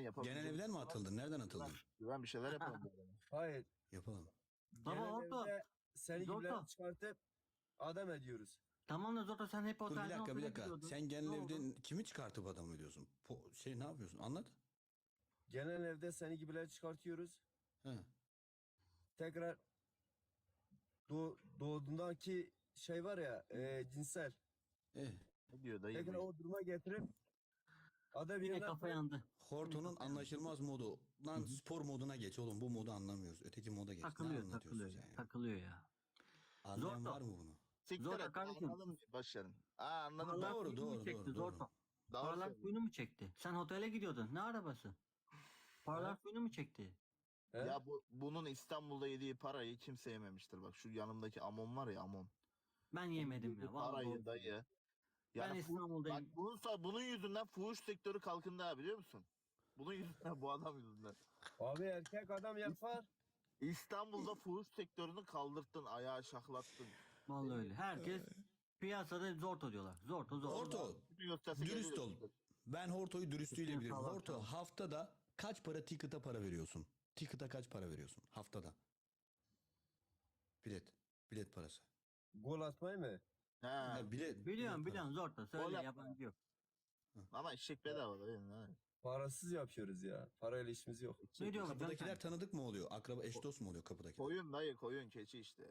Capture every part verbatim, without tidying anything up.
yapabileceğim. Genel evden mi atıldın? Nereden atıldın? Ben bir şeyler yapalım. bu arada. Hayır. Yapalım. Baba Genel orada. evde seni Zorba. gibileri çıkartıp adam ediyoruz. Tamam da Zoto sen hep Dur bir otelden dakika bir otele dakika. gidiyordun. Sen genel Ne oldu? evden kimi çıkartıp adam ediyorsun? Po şey ne yapıyorsun? Anlat. Genel evde seni gibileri çıkartıyoruz. He. Tekrar doğ, doğduğundaki şey var ya e, cinsel. Eh. Ne diyor dayı? Tekrar bu? o duruma getirip adam Yine yerine kafa yandı. Horto'nun anlaşılmaz modu. Lan spor moduna geç oğlum. Bu modu anlamıyoruz. Öteki moda geç. Takılıyor ne anlatıyorsun takılıyor sen ya. ya? Takılıyor ya. Anlayan Zorba. var mı bunu? Siktir Zorla et. kardeşim. Anladım. Başarın. Aa anladım. Paralar Doğru, suyunu mu doğru, çekti doğru, Zorto? doğru. Doğru Paralar söylüyorsun. suyunu mu çekti? Sen otele gidiyordun. Ne arabası? Paralar suyunu mu çekti? He? Ya bu bunun İstanbul'da yediği parayı kimse yememiştir. Bak şu yanımdaki Amon var ya Amon. Ben yemedim ya. Vallahi Parayı doğru. dayı. Ben Yani fu- İstanbul'dayım. Bak bunun, sa- bunun yüzünden fuhuş sektörü kalkındı ha biliyor musun? Bunun yüzünden bu adam yüzünden. Abi erkek adam yapar. İstanbul'da fuhuş sektörünü kaldırttın, ayağa şaklattın. Vallahi öyle. Herkes piyasada Zorto diyorlar. Zorto Zorto. Horto Bütün gösterisi dürüst geliyor. ol. Ben Horto'yu dürüstlüğüyle Üstüne bilirim. sağlam, Horto sağlam. haftada kaç para ticket'a para veriyorsun? Ticket'a kaç para veriyorsun haftada? Bilet. Bilet parası. Gol atmayı mı? He. Ha, bilet. Biliyorum bilet biliyorum Zorto. Söyle Gol yabancı yok. Ama eşek bedava değil mi? Parasız yapıyoruz ya. Parayla işimiz yok. Ne diyor bu Kapıdakiler Can? tanıdık mı oluyor? Akraba eş dost mu oluyor kapıdakiler? Koyun dayı koyun keçi işte.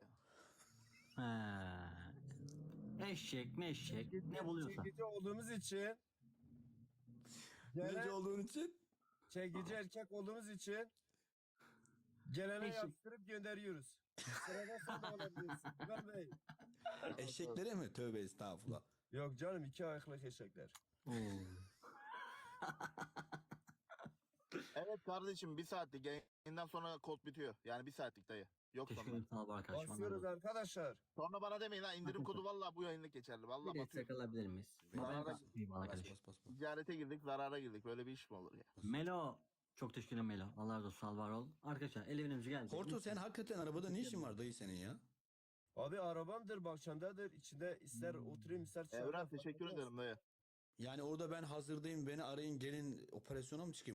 He. Eşek meşek ne buluyorsan. Çekici olduğumuz için Nece gelen olduğun için? çekici erkek olduğumuz için gelene Eşek. yaptırıp gönderiyoruz. Sırada sen de olabilirsin. İbrahim Bey. Eşeklere mi? Tövbe estağfurullah. Yok canım iki ayaklı eşekler. Oo. Evet kardeşim bir saatlik yayından sonra kod bitiyor. Yani bir saatlik dayı. Yok Teşekkür sonra. ederim sağ ol arkadaşım. Basıyoruz arkadaşlar. Sonra bana demeyin ha indirim kodu vallahi bu yayınlık geçerli. Vallahi Bir batıyor. destek alabilir miyiz? Zarara- Ben basayım Bas arkadaşım. bas bas. bas. Ticarete girdik zarara girdik. Böyle bir iş mi olur ya? Melo. Çok teşekkür ederim Melo. Allah razı olsun. Sağ ol, var ol. Arkadaşlar el evimiz geldi. Horto sen hakikaten arabada ne işin var dayı senin ya? Abi arabamdır, bahçemdedir. İçinde ister oturayım ister Evren teşekkür ederim dayı. Yani orada ben hazırdayım beni arayın gelin operasyona mı çıkayım?